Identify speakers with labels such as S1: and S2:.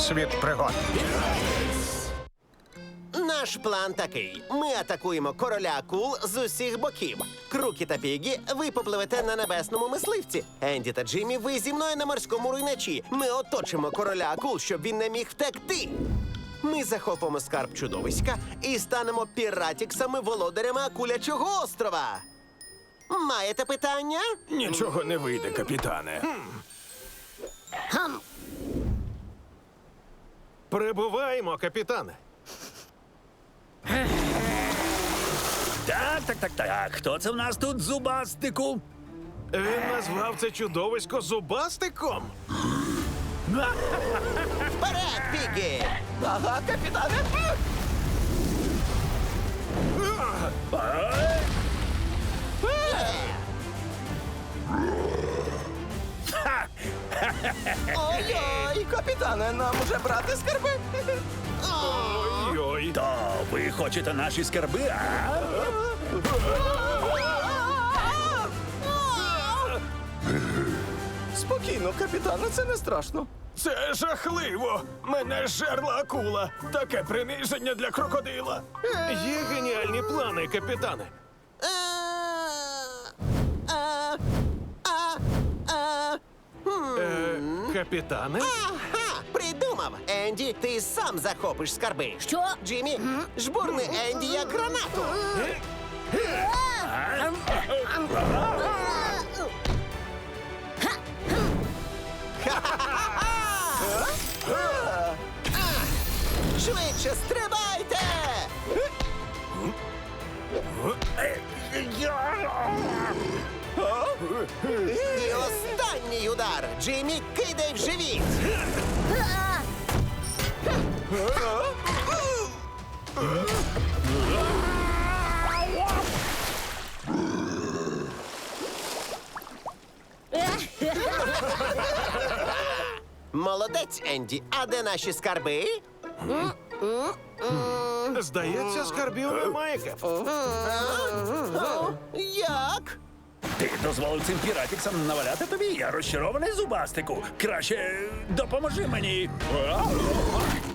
S1: світ пригод.
S2: Наш план такий. Ми атакуємо короля акул з усіх боків. Крукі та Пігі, ви попливете на небесному мисливці. Енді та Джиммі, ви зі мною на морському руйначі. Ми оточимо короля акул, щоб він не міг втекти. Ми захопимо скарб чудовиська і станемо піратіксами, володарями акулячого острова. Маєте питання?
S3: Нічого не вийде, капітане.
S1: Прибуваємо, капітане.
S4: Так. Хто це в нас тут зубастику?
S1: Він назвав це чудовисько зубастиком.
S2: Вперед, Пігі!
S3: Ага, капітане. Ой-ой, капітане, нам уже брати скарби.
S1: Ой-ой.
S4: То ви хочете наші скарби, а?
S3: Спокійно, капітане, це не страшно.
S1: Це жахливо! Мене жерла акула! Таке приниження для крокодила! Є геніальні плани, капітане. Капітане?
S2: Ага, придумав. Енді, ти сам захопиш скарби.
S5: Що?
S2: Джиммі, жбурни Енді як гранату. Швидше стрибайте! І останній удар. Джиммі, кидай в живіт. Молодець, Енді. А де наші скарби?
S1: Здається, скарбів немає, Кеп.
S2: Як?
S4: Ти дозволив цим піратіксам наваляти тобі? Я розчарований зубастику. Краще допоможи мені.